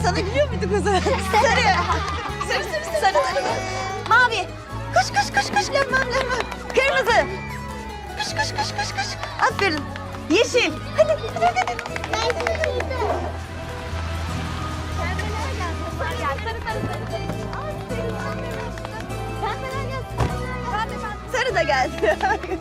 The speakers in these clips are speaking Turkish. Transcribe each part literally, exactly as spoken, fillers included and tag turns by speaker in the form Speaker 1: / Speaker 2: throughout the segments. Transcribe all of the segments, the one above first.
Speaker 1: sana gülüyor muyduk o zaman? Sarı. Sarı, sarı, sarı, sarı, sarı. Mavi. Koş, koş, koş, koş. Lemmem, lemmem. Kırmızı. Koş, koş, koş, koş, koş. Aferin. Yeşil. Hadi, hadi, hadi. hadi. Sarı da geldi.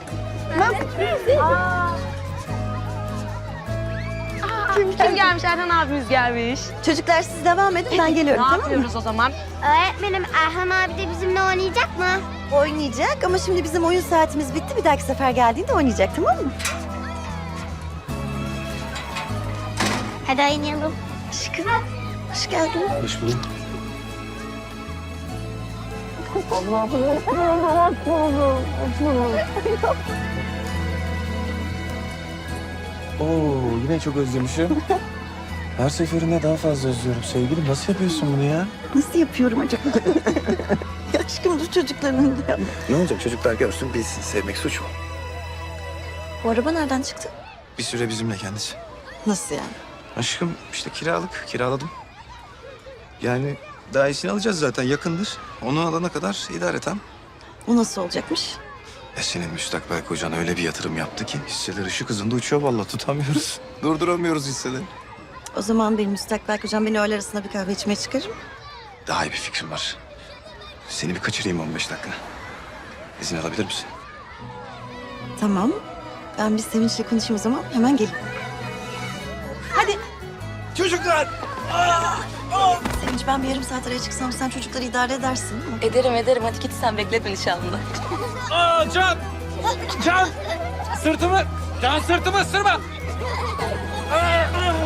Speaker 2: Kim, kim gelmiş? Erhan abimiz gelmiş.
Speaker 1: Çocuklar siz devam edin, ben geliyorum,
Speaker 2: Ne
Speaker 1: tamam mı?
Speaker 2: yapıyoruz o zaman?
Speaker 3: Öğretmenim Erhan abi de bizimle oynayacak mı?
Speaker 1: Oynayacak ama şimdi bizim oyun saatimiz bitti. Bir dahaki sefer geldiğinde oynayacak, tamam mı?
Speaker 3: Hadi oynayalım. Aşkım.
Speaker 1: Hoş geldin.
Speaker 4: Hoş bulduk. Oo, yine çok özlemişim. Her seferinde daha fazla özlüyorum sevgilim. Nasıl yapıyorsun bunu ya?
Speaker 1: Nasıl yapıyorum acaba? Aşkım dur çocukların önünde yapma.
Speaker 4: Ne olacak çocuklar görsün bilsin. Sevmek suç mu?
Speaker 1: Bu araba nereden çıktı?
Speaker 4: Bir süre bizimle kendisi.
Speaker 1: Nasıl yani?
Speaker 4: Aşkım işte kiralık. Kiraladım. Yani daha iyisini alacağız zaten yakındır. Onu alana kadar idareten.
Speaker 1: O nasıl olacakmış?
Speaker 4: Ya senin müstakbel kocan öyle bir yatırım yaptı ki hisseler ışık hızında uçuyor vallahi tutamıyoruz. Durduramıyoruz hisseleri.
Speaker 1: O zaman benim müstakbel kocam beni öğle arasında bir kahve içmeye çıkarır mı?
Speaker 4: Daha iyi bir fikrim var. Seni bir kaçırayım on beş dakika. İzin alabilir misin?
Speaker 1: Tamam. Ben bir Sevinç'le konuşayım o zaman. Hemen gelin. Hadi.
Speaker 4: Çocuklar!
Speaker 1: Sevinç ben bir yarım saat araya çıksam sen çocukları idare edersin değil mi?
Speaker 2: Ederim ederim. Hadi git sen bekletme nişanlını.
Speaker 5: Aa Can! Can! Sırtımı! Can sırtımı ısırma! Aa,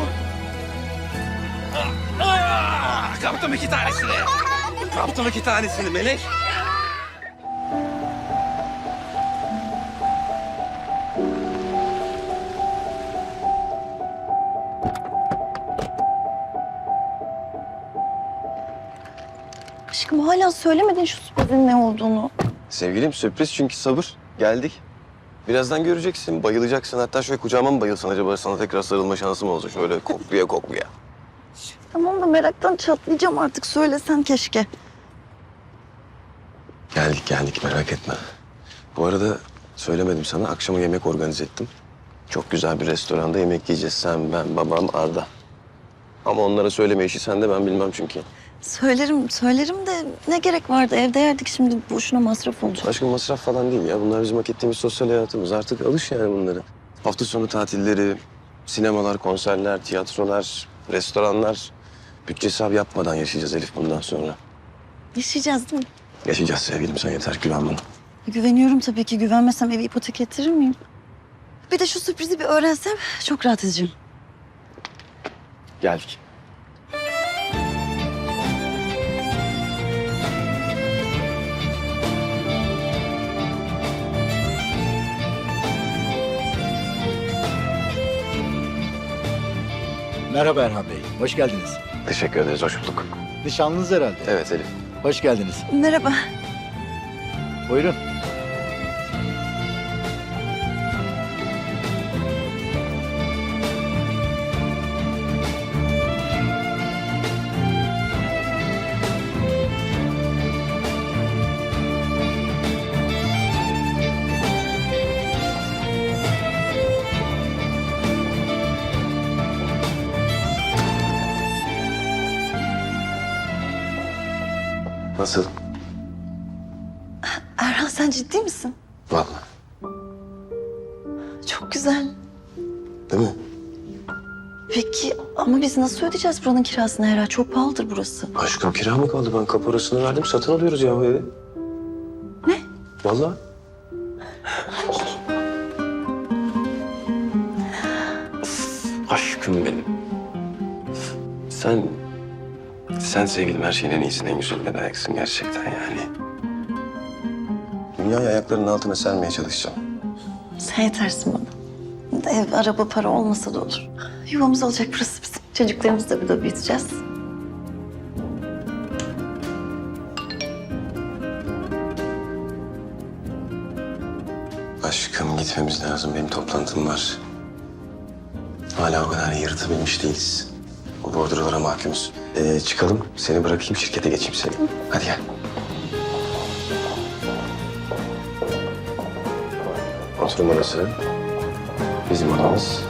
Speaker 5: aa. Aa, kaptım iki tanesini. Kaptım iki tanesini Melek.
Speaker 1: Aşkım hala söylemedin şu sürprizin ne olduğunu.
Speaker 4: Sevgilim sürpriz çünkü sabır. Geldik. Birazdan göreceksin, bayılacaksın. Hatta şöyle kucağıma mı bayılsan acaba sana tekrar sarılma şansım olsa şöyle kokluya kokluya.
Speaker 1: Tamam da meraktan çatlayacağım artık. Söylesen keşke.
Speaker 4: Geldik geldik merak etme. Bu arada söylemedim sana akşama yemek organize ettim. Çok güzel bir restoranda yemek yiyeceğiz. Sen, ben, babam, Arda. Ama onlara söyleme işi sende ben bilmem çünkü.
Speaker 1: Söylerim, söylerim de ne gerek vardı? Evde yerdik şimdi boşuna masraf olacak.
Speaker 4: Aşkım masraf falan değil ya. Bunlar bizim hak ettiğimiz sosyal hayatımız. Artık alış yani bunları. Hafta sonu tatilleri, sinemalar, konserler, tiyatrolar, restoranlar. Bütçe hesabı yapmadan yaşayacağız Elif bundan sonra.
Speaker 1: Yaşayacağız değil mi?
Speaker 4: Yaşayacağız sevgilim sen yeter güven bana.
Speaker 1: Güveniyorum tabii ki. Güvenmesem evi ipotek ettirir miyim? Bir de şu sürprizi bir öğrensem çok rahat edeceğim.
Speaker 4: Geldik.
Speaker 6: Merhaba Erhan Bey, hoş geldiniz.
Speaker 4: Teşekkür ederiz, hoş bulduk.
Speaker 6: Nişanlınız herhalde.
Speaker 4: Evet Elif.
Speaker 6: Hoş geldiniz.
Speaker 1: Merhaba.
Speaker 6: Buyurun.
Speaker 4: Nasıl?
Speaker 1: Erhan sen ciddi misin?
Speaker 4: Vallahi.
Speaker 1: Çok güzel.
Speaker 4: Değil mi?
Speaker 1: Peki ama biz nasıl ödeyeceğiz buranın kirasını Hera? Çok pahalıdır burası.
Speaker 4: Aşkım kira mı kaldı? Ben kaparasını verdim satın alıyoruz ya bu evi.
Speaker 1: Ne?
Speaker 4: Vallahi. Aşkım benim. Sen... Sen sevgilim her şeyin en iyisini, en güzeline layıksın gerçekten yani. Dünyayı ayaklarının altına sermeye çalışacağım.
Speaker 1: Sen yetersin bana. Ev, araba, para olmasa da olur. Yuvamız olacak burası bizim. Çocuklarımızı da burada büyüteceğiz.
Speaker 4: Aşkım gitmemiz lazım. Benim toplantım var. Hala o kadar yırtabilmiş değiliz. O bordrolara mahkumuz. Ee, çıkalım, seni bırakayım, şirkete geçeyim seni. Hadi gel. Oturma orası. Bizim odamız.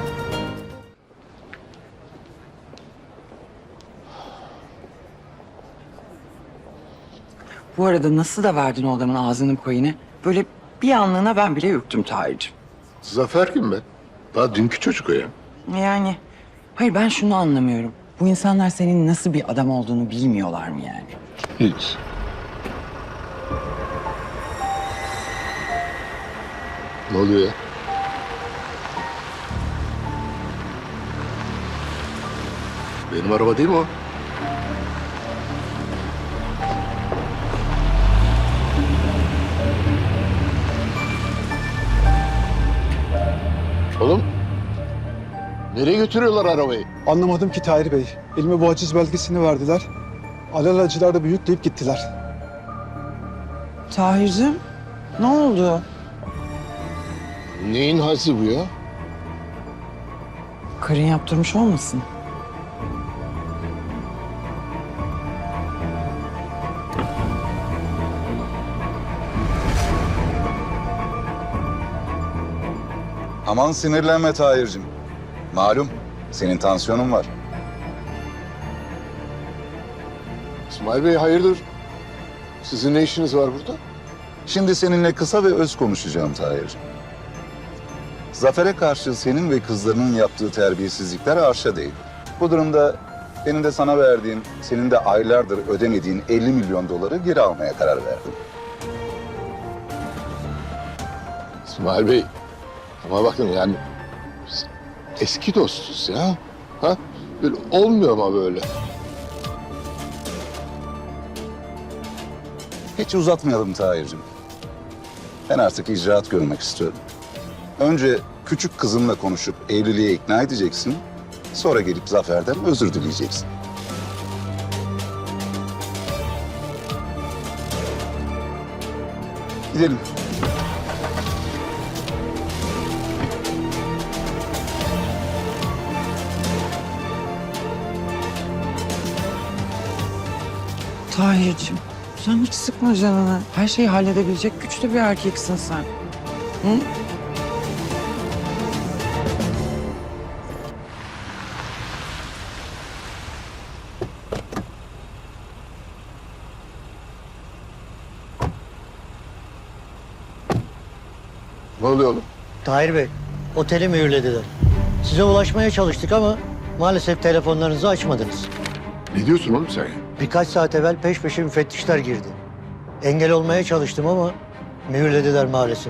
Speaker 7: Bu arada nasıl da verdin o adamın ağzının payını? Böyle bir anlığına ben bile ürktüm Tahir'cim.
Speaker 8: Zafer kim be? Daha dünkü çocuk o ya.
Speaker 7: Yani hayır ben şunu anlamıyorum. Bu insanlar senin nasıl bir adam olduğunu bilmiyorlar mı yani?
Speaker 8: Hiç. Ne oluyor ya? Benim araba değil mi o? Oğlum. Nereye götürüyorlar arabayı?
Speaker 9: Anlamadım ki Tahir Bey. Elime bu haciz belgesini verdiler. Alelacılar da bir yükleyip gittiler.
Speaker 7: Tahir'cim ne oldu?
Speaker 8: Neyin hası bu ya?
Speaker 7: Karın yaptırmış olmasın?
Speaker 10: Aman sinirlenme Tahir'cim. Malum senin tansiyonun var.
Speaker 8: İsmail Bey hayırdır? Sizin ne işiniz var burada?
Speaker 10: Şimdi seninle kısa ve öz konuşacağım Tahir'cim. Zafer'e karşı senin ve kızlarının yaptığı terbiyesizlikler arşa değil. Bu durumda benim de sana verdiğim, senin de aylardır ödemediğin elli milyon doları geri almaya karar verdim.
Speaker 8: İsmail Bey, ama bakın yani biz eski dostuz ya. Ha? Böyle olmuyor ama böyle.
Speaker 10: Hiç uzatmayalım Tahir'cim. Ben artık icraat görmek istiyorum. Önce küçük kızımla konuşup evliliğe ikna edeceksin. Sonra gelip Zafer'den özür dileyeceksin. Gidelim.
Speaker 7: Tahir'cim sen hiç sıkma canını. Her şeyi halledebilecek güçlü bir erkeksin sen. Hı?
Speaker 8: Ne oluyor oğlum?
Speaker 11: Tahir Bey, oteli mühürlediler. Size ulaşmaya çalıştık ama maalesef telefonlarınızı açmadınız.
Speaker 8: Ne diyorsun oğlum sen ya?
Speaker 11: Birkaç saat evvel peş peşe müfettişler girdi. Engel olmaya çalıştım ama mühürlediler maalesef.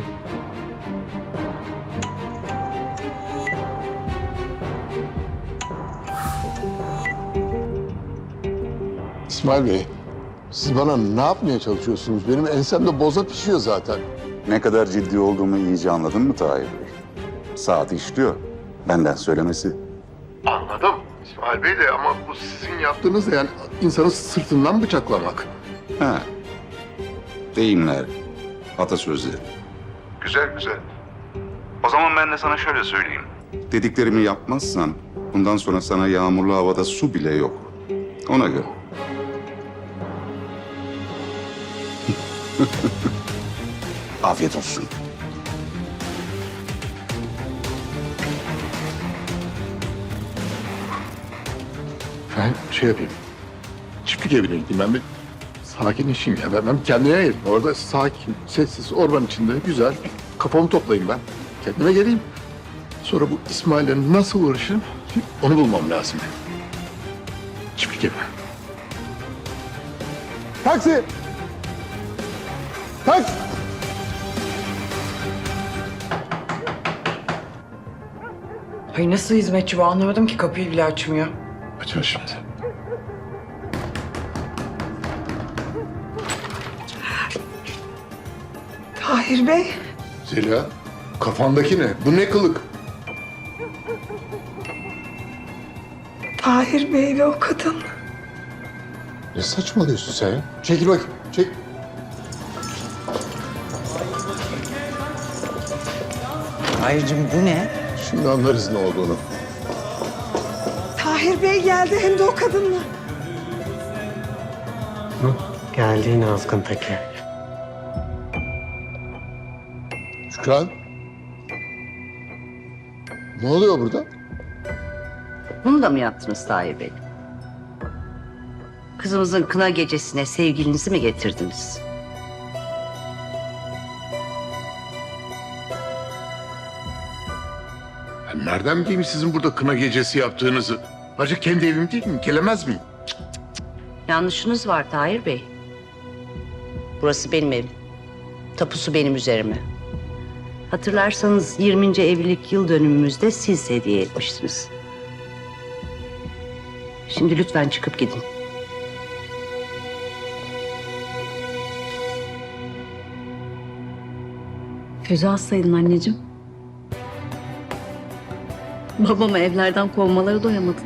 Speaker 8: İsmail Bey, siz bana ne yapmaya çalışıyorsunuz? Benim ensemde boza pişiyor zaten.
Speaker 10: Ne kadar ciddi olduğumu iyice anladın mı Tahir Bey? Saat işliyor. Benden söylemesi.
Speaker 8: Anladım İsmail Bey de ama bu sizin yaptığınız da yani insanı sırtından bıçaklamak.
Speaker 10: Ha. Deyimler, atasözleri. Güzel güzel. O zaman ben de sana şöyle söyleyeyim. Dediklerimi yapmazsan bundan sonra sana yağmurlu havada su bile yok. Ona göre. Afiyet olsun.
Speaker 8: Ben şey yapayım. Çiftlik evine gideyim ben bir sakinleşeyim ya. Ben, ben kendime geleyim. Orada sakin, sessiz, orman içinde güzel. Kafamı toplayayım ben. Kendime geleyim. Sonra bu İsmail'le nasıl uğraşırım onu bulmam lazım. Çiftlik evi. Taksi! Taksi!
Speaker 7: Ay nasıl hizmetçi bu anlamadım ki kapıyı bile açmıyor.
Speaker 8: Açar şimdi.
Speaker 7: Tahir Bey.
Speaker 8: Zeliha, kafandaki ne? Bu ne kılık?
Speaker 7: Tahir Bey ve o kadın.
Speaker 8: Ne saçmalıyorsun sen ya? Çekil bakayım, çek.
Speaker 7: Tahir'cim bu ne?
Speaker 8: Şimdi anlarız ne olduğunu.
Speaker 7: Tahir Bey geldi hem de o kadınla.
Speaker 11: Geldiğin azgın teki.
Speaker 8: Şükran. Ne oluyor burada?
Speaker 1: Bunu da mı yaptınız Tahir Bey? Kızımızın kına gecesine sevgilinizi mi getirdiniz?
Speaker 8: Ben nereden bileyim sizin burada kına gecesi yaptığınızı? Ayrıca kendi evim değil mi? Gelemez miyim?
Speaker 1: Yanlışınız var Tahir Bey. Burası benim evim. Tapusu benim üzerime. Hatırlarsanız yirminci evlilik yıl dönümümüzde siz hediye etmiştiniz. Şimdi lütfen çıkıp gidin.
Speaker 2: Füze hastaydın anneciğim. Babamı evlerden kovmaları doyamadı.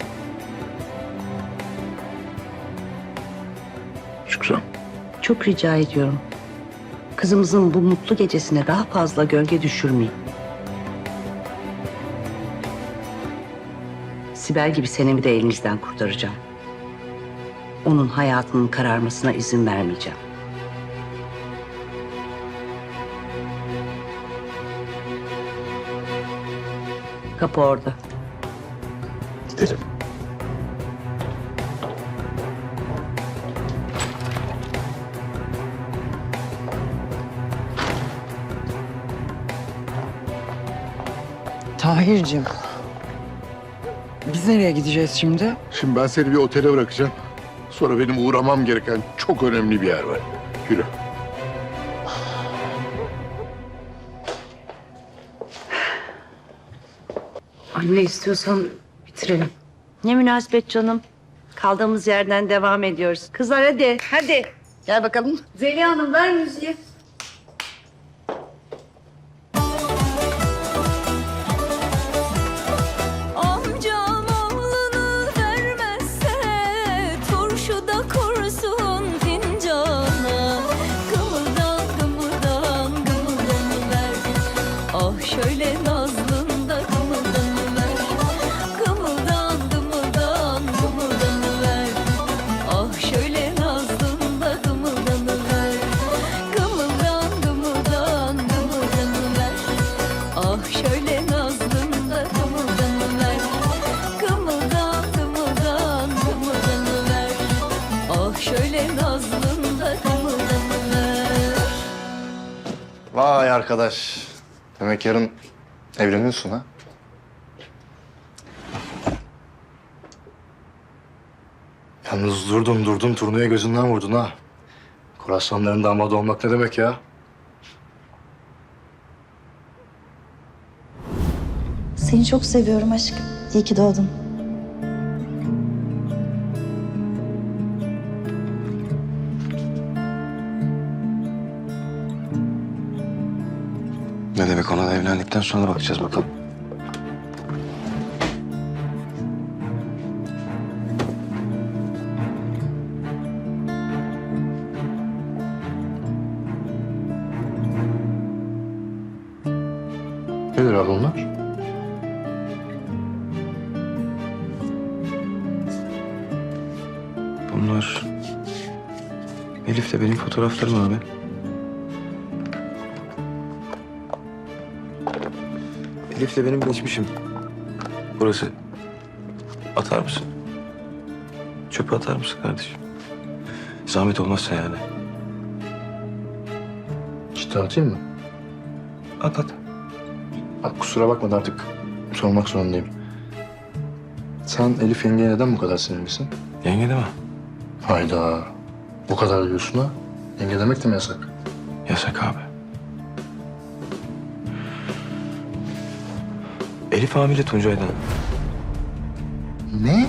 Speaker 8: Şükran.
Speaker 1: Çok rica ediyorum. Kızımızın bu mutlu gecesine daha fazla gölge düşürmeyin. Sibel gibi senemi de elinizden kurtaracağım. Onun hayatının kararmasına izin vermeyeceğim. Kapı orada.
Speaker 4: Gidelim.
Speaker 7: Tahir'cim. Biz nereye gideceğiz şimdi?
Speaker 8: Şimdi ben seni bir otele bırakacağım. Sonra benim uğramam gereken çok önemli bir yer var. Yürü.
Speaker 1: Anne istiyorsan bitirelim. Ne münasebet canım. Kaldığımız yerden devam ediyoruz. Kızlar hadi, hadi. Gel bakalım. Zeliha Hanım ver müziği.
Speaker 12: Amcam oğlunu vermezse turşuda kursun fincana. Gımıldan gımıldan gımıldanıver. Ah şöyle nazlında gımıldanıver. Gımıldan gımıldan gımıldanıver. Ah şöyle nazlında gımıldanıver. Gımıldan gımıldan gımıldanıver. Ah şöyle nazlında gımıldanıver. Gımıldan gımıldan gımıldanıver. Ah şöyle nazlında gımıldanıver.
Speaker 13: Vay arkadaş. Demek yarın evleniyorsun ha? Yalnız durdun durdun turnaya gözünden vurdun ha. Koraslanların damadı olmak ne demek ya?
Speaker 12: Seni çok seviyorum aşkım. İyi ki doğdun.
Speaker 4: Ne demek, ona da evlendikten sonra bakacağız bakalım.
Speaker 13: Nedir abi onlar?
Speaker 4: Bunlar Elif'le benim fotoğraflarım abi. Elif'le benim geçmişim. Burası. Atar mısın? Çöpe atar mısın kardeşim? Zahmet olmazsa yani.
Speaker 13: Ciddi atayım mı?
Speaker 4: At at.
Speaker 13: Bak kusura bakma da artık sormak zorundayım. Sen Elif yengeye neden bu kadar sinirlisin?
Speaker 4: Yenge deme.
Speaker 13: Hayda. Bu kadar diyorsun ha. Yenge demek de mi yasak?
Speaker 4: Yasak abi. Elif hamile Tuncay'dan.
Speaker 13: Ne?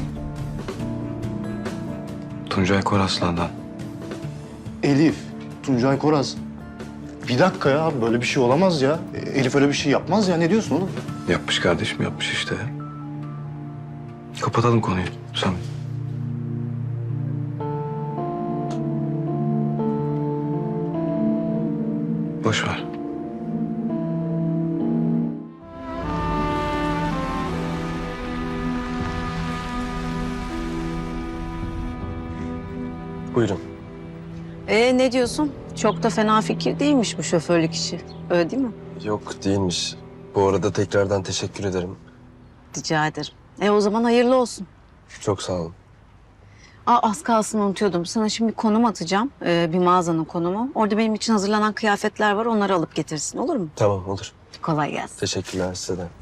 Speaker 4: Tuncay Koraslan'dan.
Speaker 13: Elif, Tuncay Koraz. Bir dakika ya, böyle bir şey olamaz ya. Elif öyle bir şey yapmaz ya. Ne diyorsun oğlum?
Speaker 4: Yapmış kardeşim, yapmış işte. Kapatalım konuyu. Sen. Boş ver. Buyurun.
Speaker 2: Ee ne diyorsun? Çok da fena fikir değilmiş bu şoförlük işi. Öyle değil mi?
Speaker 4: Yok değilmiş. Bu arada tekrardan teşekkür ederim.
Speaker 2: Rica ederim. E o zaman hayırlı olsun.
Speaker 4: Çok sağ olun.
Speaker 2: Aa, az kalsın unutuyordum. Sana şimdi konum atacağım. Ee, bir mağazanın konumu. Orada benim için hazırlanan kıyafetler var. Onları alıp getirsin, olur mu?
Speaker 4: Tamam olur.
Speaker 2: Kolay gelsin.
Speaker 4: Teşekkürler size de.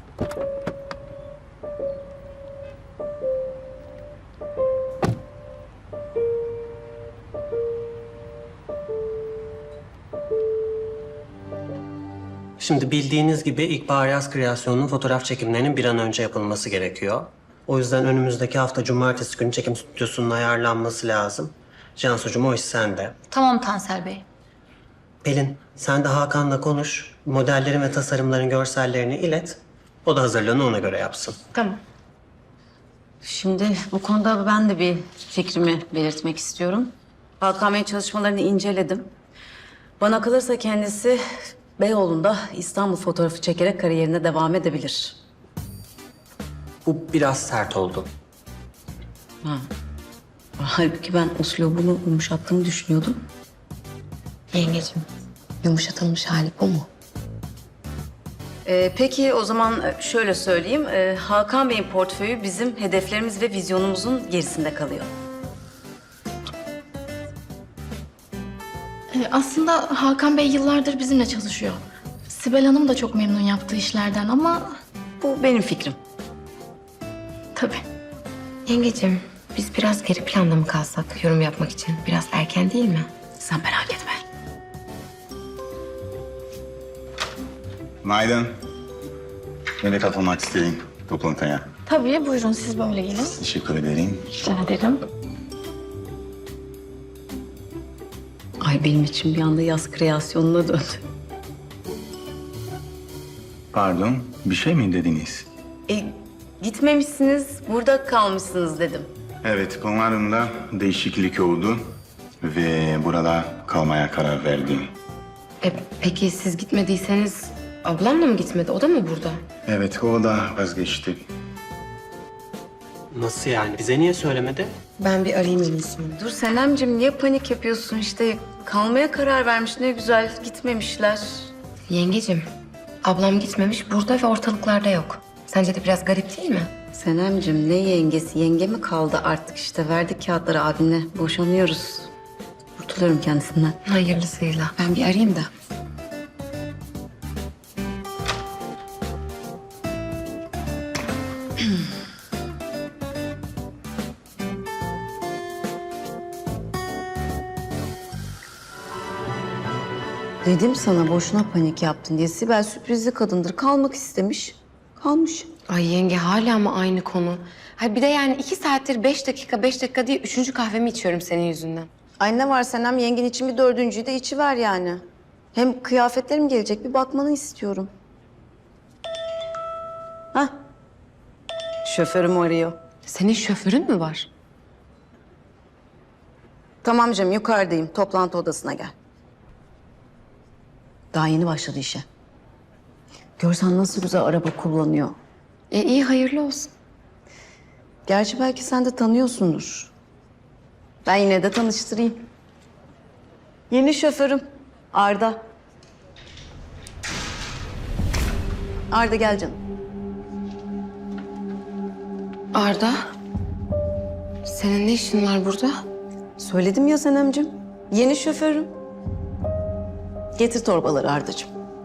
Speaker 14: Şimdi bildiğiniz gibi İlkbahar Yaz Kreasyonu'nun fotoğraf çekimlerinin bir an önce yapılması gerekiyor. O yüzden önümüzdeki hafta cumartesi günü çekim stüdyosunun ayarlanması lazım. Cansucuğum o iş sende.
Speaker 12: Tamam Tansel Bey.
Speaker 14: Pelin sen de Hakan'la konuş. Modellerin ve tasarımların görsellerini ilet. O da hazırlığını ona göre yapsın.
Speaker 12: Tamam.
Speaker 2: Şimdi bu konuda ben de bir fikrimi belirtmek istiyorum. Hakan Bey'in çalışmalarını inceledim. Bana kalırsa kendisi Beyoğlu'nda İstanbul fotoğrafı çekerek kariyerine devam edebilir.
Speaker 14: Bu biraz sert oldu.
Speaker 2: Ha. Halbuki ben uslubumu yumuşattığımı düşünüyordum.
Speaker 12: Yengeciğim, yumuşatılmış hali bu mu?
Speaker 2: Ee, peki o zaman şöyle söyleyeyim. Ee, Hakan Bey'in portföyü bizim hedeflerimiz ve vizyonumuzun gerisinde kalıyor.
Speaker 12: Ee, aslında Hakan Bey yıllardır bizimle çalışıyor. Sibel Hanım da çok memnun yaptığı işlerden ama...
Speaker 2: Bu benim fikrim.
Speaker 12: Tabii.
Speaker 15: Yengeciğim, biz biraz geri planda mı kalsak yorum yapmak için? Biraz erken değil mi?
Speaker 2: Sen merak etme.
Speaker 10: Günaydın. Beni katılmak isteyin toplantıya.
Speaker 12: Tabii, buyurun siz böyle gelin.
Speaker 10: Teşekkür ederim.
Speaker 12: Rica ederim.
Speaker 2: Ay benim için bir anda yaz kreasyonuna döndü.
Speaker 10: Pardon, bir şey mi dediniz?
Speaker 2: E, gitmemişsiniz, burada kalmışsınız dedim.
Speaker 10: Evet, konularımda değişiklik oldu ve burada kalmaya karar verdim.
Speaker 15: E, peki siz gitmediyseniz ablam da mı gitmedi? O da mı burada?
Speaker 10: Evet, o da vazgeçti.
Speaker 14: Nasıl yani? Bize niye söylemedi?
Speaker 15: Ben bir arayayım en iyisi.
Speaker 2: Dur Senemciğim niye panik yapıyorsun işte? Kalmaya karar vermiş ne güzel gitmemişler.
Speaker 15: Yengeciğim, ablam gitmemiş burada ve ortalıklarda yok. Sence de biraz garip değil mi?
Speaker 2: Senemciğim ne yengesi? Yenge mi kaldı artık işte? Verdik kağıtları abinle. Boşanıyoruz. Kurtuluyorum kendisinden.
Speaker 15: Hayırlısıyla. Ben bir arayayım da.
Speaker 2: Dedim sana boşuna panik yaptın diye. Sibel sürprizli kadındır. Kalmak istemiş. Kalmış.
Speaker 15: Ay yenge hala mı aynı konu? Hay bir de yani iki saattir beş dakika beş dakika diye üçüncü kahvemi içiyorum senin yüzünden.
Speaker 2: Ay ne var Senem? Yengen için bir dördüncüyü de içi ver yani. Hem kıyafetlerim gelecek. Bir bakmanı istiyorum. Hah. Şoförüm arıyor.
Speaker 15: Senin şoförün mü var?
Speaker 2: Tamam canım yukarıdayım. Toplantı odasına gel. Daha yeni başladı işe. Görsen nasıl güzel araba kullanıyor.
Speaker 15: E iyi hayırlı olsun.
Speaker 2: Gerçi belki sen de tanıyorsundur. Ben yine de tanıştırayım. Yeni şoförüm Arda. Arda gel canım.
Speaker 15: Arda, senin ne işin var burada?
Speaker 2: Söyledim ya Senemciğim. Yeni şoförüm. Getir torbaları Ardacığım.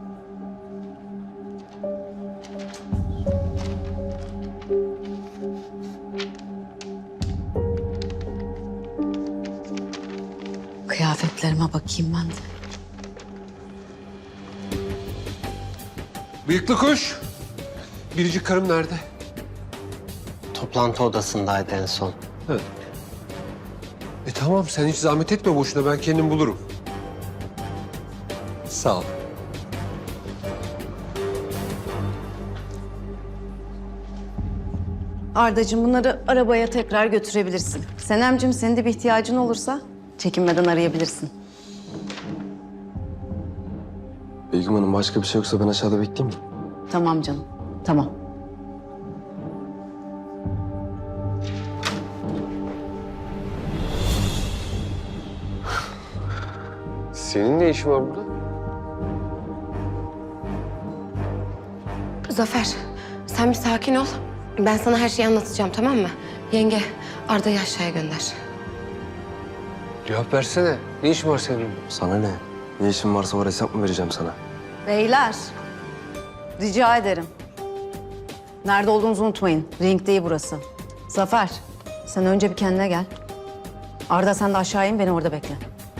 Speaker 2: Kıyafetlerime bakayım ben de.
Speaker 5: Bıyıklı kuş. Biricik karım nerede?
Speaker 14: Toplantı odasındaydı en son.
Speaker 5: E tamam sen hiç zahmet etme boşuna ben kendim bulurum. Sağ ol.
Speaker 2: Ardacığım bunları arabaya tekrar götürebilirsin. Senemciğim senin de bir ihtiyacın olursa çekinmeden arayabilirsin.
Speaker 4: Begüm Hanım başka bir şey yoksa ben aşağıda bekleyeyim mi?
Speaker 2: Tamam canım, tamam.
Speaker 16: Senin ne işin var burada?
Speaker 15: Zafer, sen bir sakin ol. Ben sana her şeyi anlatacağım, tamam mı? Yenge, Arda'yı aşağıya gönder.
Speaker 16: Cevap versene. Ne işin var senin?
Speaker 4: Sana ne? Ne işin varsa var, hesap mı vereceğim sana?
Speaker 2: Beyler, rica ederim. Nerede olduğunuzu unutmayın. Ring değil burası. Zafer, sen önce bir kendine gel. Arda sen de aşağı in, beni orada bekle.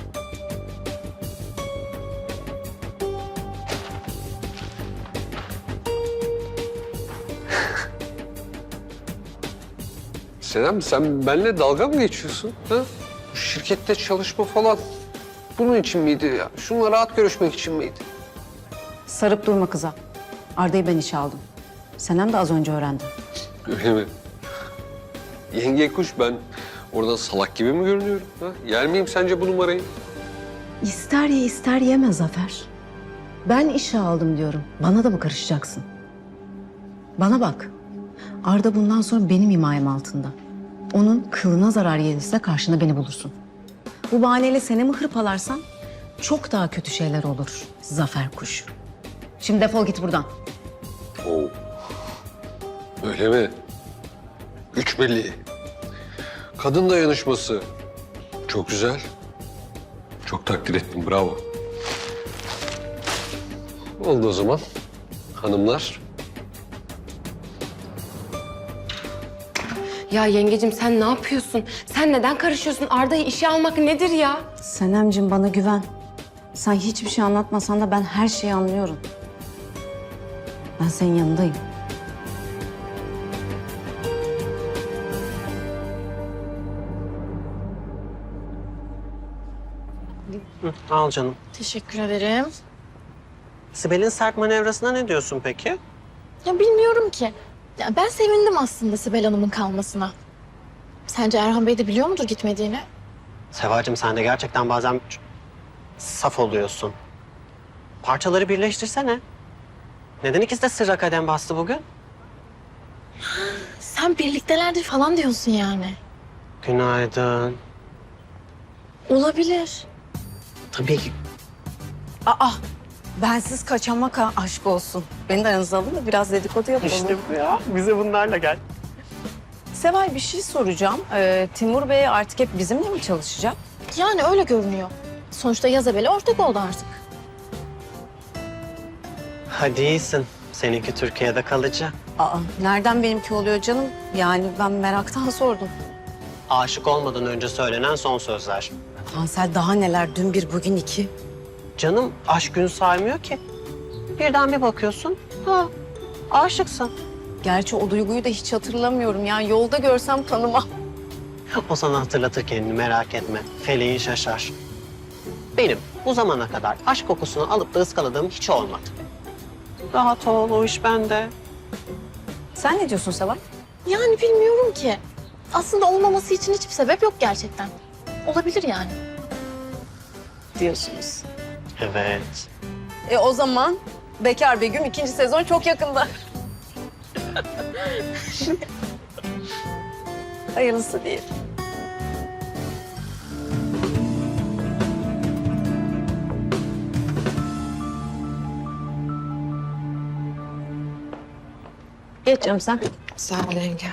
Speaker 16: Senem, sen benimle dalga mı geçiyorsun? Ha? Bu şirkette çalışma falan bunun için miydi ya? Şununla rahat görüşmek için miydi?
Speaker 2: Sarıp durma kıza. Arda'yı ben işe aldım. Senem de az önce öğrendi.
Speaker 16: Öyle mi? Yenge kuş, ben oradan salak gibi mi görünüyorum? Ha? Yer miyim sence bu numarayı?
Speaker 2: İster ye ister yeme Zafer. Ben işe aldım diyorum. Bana da mı karışacaksın? Bana bak. Arda bundan sonra benim himayem altında. Onun kılına zarar gelirse karşında beni bulursun. Bu bahaneyle seni mi hırpalarsan çok daha kötü şeyler olur Zafer kuş. Şimdi defol git buradan.
Speaker 16: Oo. Öyle mi? Güç belli. Kadın dayanışması. Çok güzel. Çok takdir ettim, bravo. Oldu o zaman. Hanımlar.
Speaker 15: Ya yengecim sen ne yapıyorsun? Sen neden karışıyorsun? Arda'yı işe almak nedir ya?
Speaker 2: Senemciğim bana güven. Sen hiçbir şey anlatmasan da ben her şeyi anlıyorum. Ben senin yanındayım.
Speaker 14: Hı, al canım.
Speaker 12: Teşekkür ederim.
Speaker 14: Sibel'in sert manevrasına ne diyorsun peki?
Speaker 12: Ya bilmiyorum ki. Ya ben sevindim aslında Sibel Hanım'ın kalmasına. Sence Erhan Bey de biliyor mudur gitmediğini?
Speaker 14: Sevacığım, sen de gerçekten bazen saf oluyorsun. Parçaları birleştirsene. Neden ikisi de sırra kadem bastı bugün?
Speaker 12: Sen birliktelerdir falan diyorsun yani.
Speaker 14: Günaydın.
Speaker 12: Olabilir.
Speaker 14: Tabii ki.
Speaker 2: Aa, bensiz kaçamak ha, aşk olsun. Beni de aranıza alın da biraz dedikodu yapalım.
Speaker 14: İşte bu ya. Bize bunlarla gel.
Speaker 2: Seval bir şey soracağım. Ee, Timur Bey artık hep bizimle mi çalışacak?
Speaker 12: Yani öyle görünüyor. Sonuçta Yazabel'e ortak oldu artık.
Speaker 14: Hadi iyisin. Seninki Türkiye'de kalıcı.
Speaker 2: Aa, nereden benimki oluyor canım? Yani ben meraktan sordum.
Speaker 14: Aşık olmadan önce söylenen son sözler.
Speaker 2: Hansel daha neler? Dün bir, bugün iki.
Speaker 14: Canım aşk gün saymıyor ki. Birden bir bakıyorsun, ha aşıksın.
Speaker 2: Gerçi o duyguyu da hiç hatırlamıyorum. Yani yolda görsem tanımam.
Speaker 14: O sana hatırlatır kendini, merak etme. Feleğin şaşar. Benim bu zamana kadar aşk kokusunu alıp da ıskaladığım hiç olmadı. Rahat ol, o iş bende.
Speaker 2: Sen ne diyorsun Seval?
Speaker 12: Yani bilmiyorum ki. Aslında olmaması için hiçbir sebep yok gerçekten. Olabilir yani.
Speaker 2: Diyorsunuz.
Speaker 14: Evet.
Speaker 2: E o zaman Bekar Begüm ikinci sezon çok yakında. Hayırlısı değil. Geç canım sen.
Speaker 15: Sağ ol yenge.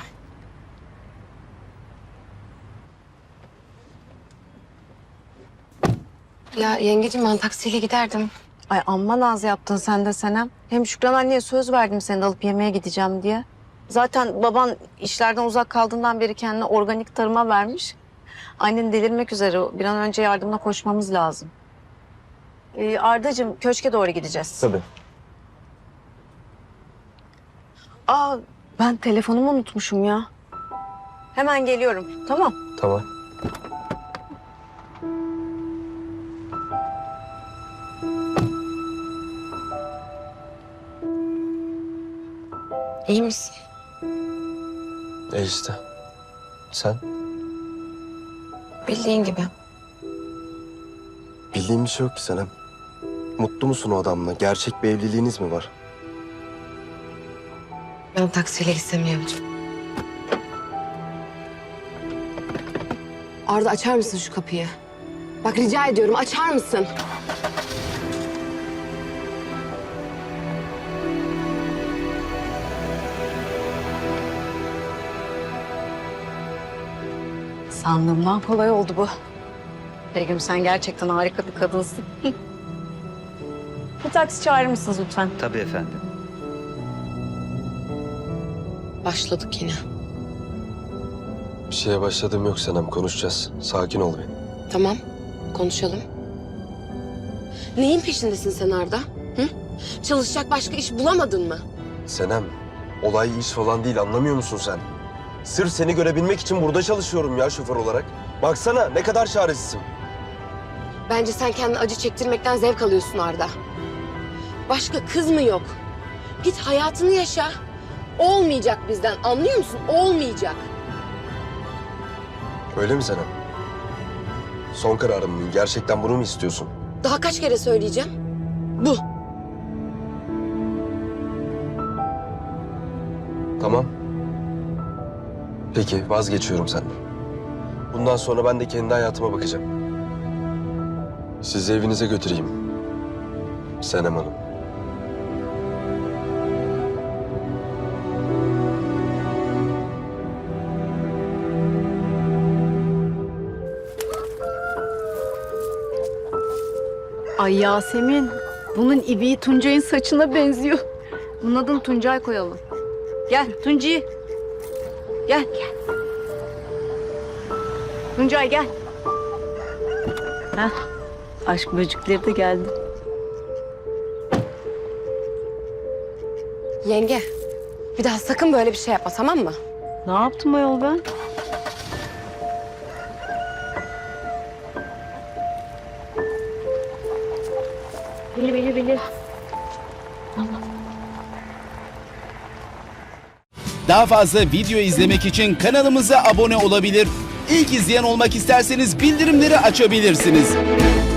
Speaker 15: Ya yengeciğim ben taksiyle giderdim.
Speaker 2: Ay amma naz yaptın sen de Senem. Hem Şükran anneye söz verdim seni de alıp yemeğe gideceğim diye. Zaten baban işlerden uzak kaldığından beri kendini organik tarıma vermiş. Annen delirmek üzere. Bir an önce yardımına koşmamız lazım. Ee, Ardacığım köşke doğru gideceğiz.
Speaker 4: Tabii.
Speaker 2: Aa ben telefonumu unutmuşum ya. Hemen geliyorum. Tamam.
Speaker 4: Tamam.
Speaker 15: İyi misin?
Speaker 4: E işte. Sen?
Speaker 15: Bildiğin gibi.
Speaker 4: Bildiğim bir şey yok ki Senem. Mutlu musun o adamla? Gerçek bir evliliğiniz mi var?
Speaker 15: Ben taksiyle gitsem iyi olacak. Arda açar mısın şu kapıyı? Bak rica ediyorum açar mısın?
Speaker 2: Sandığımdan kolay oldu bu. Begüm sen gerçekten harika bir kadınsın. Bir taksi çağırır mısınız lütfen?
Speaker 17: Tabii efendim.
Speaker 15: Başladık yine.
Speaker 4: Bir şeye başladığım yok Senem. Konuşacağız. Sakin ol benim.
Speaker 15: Tamam, konuşalım. Neyin peşindesin sen Arda? Hı? Çalışacak başka iş bulamadın mı?
Speaker 4: Senem, olay iş falan değil, anlamıyor musun sen? Sırf seni görebilmek için burada çalışıyorum ya şoför olarak. Baksana ne kadar çaresizim.
Speaker 15: Bence sen kendini acı çektirmekten zevk alıyorsun Arda. Başka kız mı yok? Git hayatını yaşa. Olmayacak bizden, anlıyor musun? Olmayacak.
Speaker 4: Öyle mi Senem? Son kararın mı? Gerçekten bunu mu istiyorsun?
Speaker 15: Daha kaç kere söyleyeceğim? Bu.
Speaker 4: Tamam. Peki vazgeçiyorum senden. Bundan sonra ben de kendi hayatıma bakacağım. Sizi evinize götüreyim. Senem Hanım.
Speaker 2: Ay Yasemin, bunun ibiği Tuncay'ın saçına benziyor. Bunun adını Tuncay koyalım. Gel Tunci. Gel. Gel. Tuncay gel. Heh, aşk böcekleri de geldi.
Speaker 15: Yenge, bir daha sakın böyle bir şey yapma, tamam mı?
Speaker 2: Ne yaptım ayol ben?
Speaker 3: Bili bili bili.
Speaker 18: Daha fazla video izlemek için kanalımıza abone olabilir. İlk izleyen olmak isterseniz bildirimleri açabilirsiniz.